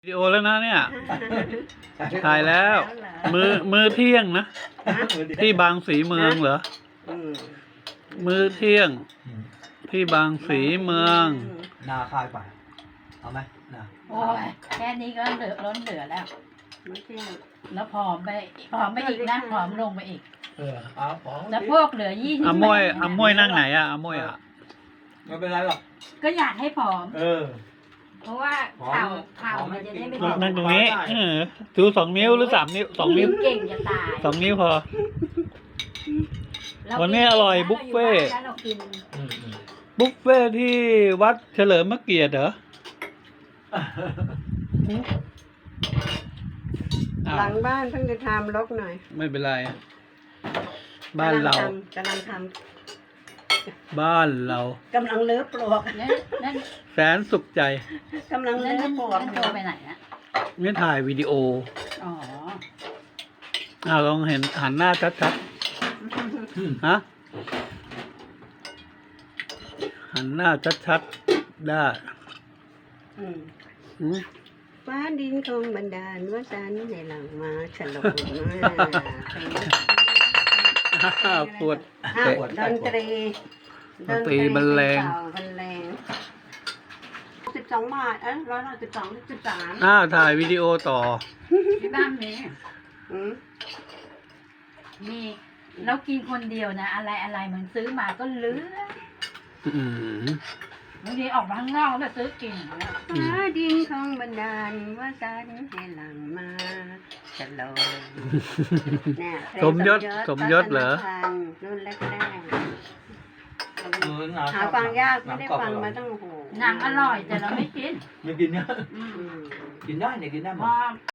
วิดีโอแล้วนะเนี่ยถ่ายแล้วมื้อเที่ยงนะที่บางสีเมืองเหรอมื้อเที่ยงที่บางสีเมืองนาคายไปเอาไหมนาโอ้ยแค่นี้ก็ล้นเหลือแล้วแล้วผอมไปอีกนะผอมลงไปอีกแล้วพวกเหลือ20 อาม่วยนั่งไหนอะอาม่วยอะไม่เป็นไรหรอกก็อยากให้ผอมเพราะว่าเข่ามันจะได้ไม่นั่งตรงนี้ชู2 นิ้วหรือ3 นิ้ว2 นิ้วเก่งจะตาย 2 นิ้วพอวันนี้อร่อยบุฟเฟ่ที่วัดเฉลิมพระเกียรติเหรอหลังบ้านเพิ่งจะทำรกหน่อยไม่เป็นไรบ้านเรากำลังทำบ้านเรากำลังเลื้อปลวกแสนสุขใจกำลังเลื้อปลวกโตไปไหนนะไม่ถ่ายวิดีโอลองเห็นหันหน้าชัดๆฮะหันหน้าชัดๆได้ฟ้าดินคงบันดาลว่าฉันในหลังมาฉลองปวดดนตรีบรรเลง 12 บาท112 13 ถ่ายวิดีโอต่อที่บ้านมีเรากินคนเดียวนะอะไรมันซื้อมาก็ลือบางทีออกมาข้างนอกแล้วซื้อกินฟ้าดินคงบันดาลว่าฉันให้หลังมาฉลองสมยศเหรอรุ่นแรกหาฟังยากไม่ได้ฟังมาตั้งโอ้โหหนังอร่อยแต่เราไม่กินไม่กินเนี่ยกินได้เนี่ยกินได้หมด